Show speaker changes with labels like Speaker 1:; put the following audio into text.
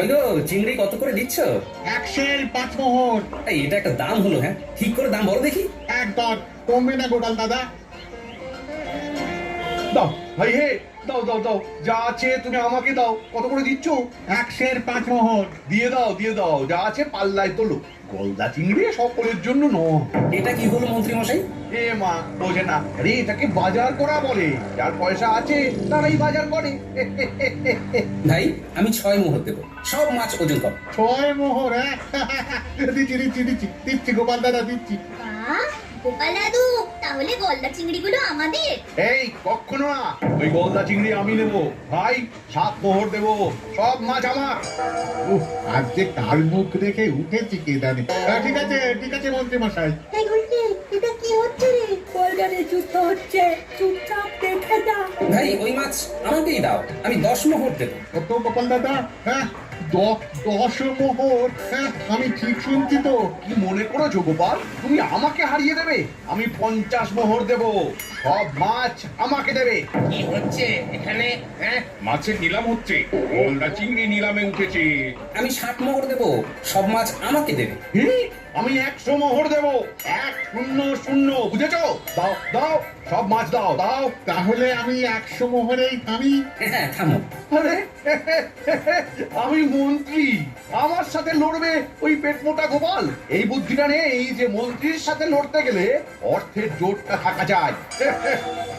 Speaker 1: ওই গো, চিংড়ি কত করে দিচ্ছ?
Speaker 2: 5 মোহর।
Speaker 1: এই, এটা একটা দাম হলো? হ্যাঁ, ঠিক করে দাম বলো দেখি।
Speaker 2: একদম কমবে না গোপাল দাদা।
Speaker 3: দাও ভাই হে, দাও দাও দাও, যা আছে তুমি আমাকে দাও। কত করে দিচ্ছ?
Speaker 2: 5 মোহর।
Speaker 3: দিয়ে দাও দিয়ে দাও, যা আছে পাল্লায় তোলো। গলদা চিংড়ি সকলের জন্য নয়।
Speaker 1: এটা কি হলো মন্ত্রী মশাই?
Speaker 3: এ মা, বোঝে না। আরে এটাকে বাজার করা বলে। যার পয়সা আছে তারাই বাজার করে।
Speaker 1: ভাই, আমি 6 মোহর দেবো, সব মাছ ওজন কর।
Speaker 2: 6 মোহর? হ্যাঁ, দিচ্ছি দিচ্ছি দিচ্ছি দিচ্ছি গোপাল দাদা, দিচ্ছি।
Speaker 4: বাহ, গোপাল দাদু, তাহলে গলদা চিংড়িগুলো আমাদের?
Speaker 3: এই কখনো না, ওই গলদা চিংড়ি আমি নেবো ভাই। 7 মোহর দেবো, সব মাছ আমার।
Speaker 2: উফ, আজ যে কার মুখ দেখে উঠেছি কে জানে। ঠিক আছে মন্ত্রী মশাই।
Speaker 5: এই গুলটি, এটা কি হচ্ছে রে? কলকারে যুদ্ধ হচ্ছে, চুপচাপ দেখে যা।
Speaker 1: ভাই, ওই মাছ আমাকেই দাও, আমি 10 মোহর দেবো।
Speaker 2: কত গোপাল দাদা? হ্যাঁ, 10 মোহর? হ্যাঁ, আমি ঠিক শুনছি তো?
Speaker 3: কি মনে করেছো গোপাল, তুমি আমাকে হারিয়ে দেবে? আমি 50 মোহর দেবো, সব মাছ আমাকে দেবে।
Speaker 6: কি হচ্ছে এখানে? হ্যাঁ, মাছের নিলাম হচ্ছে, গলদা চিংড়ি নিলামে উঠেছে।
Speaker 1: আমি 60 মোহর দেবো, সব মাছ আমাকে দেবে।
Speaker 3: হি, আমি 100 মোহর দেবো। 100 বুঝেছো? দাও দাও, সব মাছ দাও দাও।
Speaker 2: তাহলে আমি 100 মোহরেই থামি।
Speaker 1: হ্যাঁ, থামো।
Speaker 3: আরে, আমি মন্ত্রী, আমার সাথে লড়বে ওই পেট মোটা গোপাল? এই বুদ্ধিটা নেই যে মন্ত্রীর সাথে লড়তে গেলে অর্থের জোরটা থাকা যায়।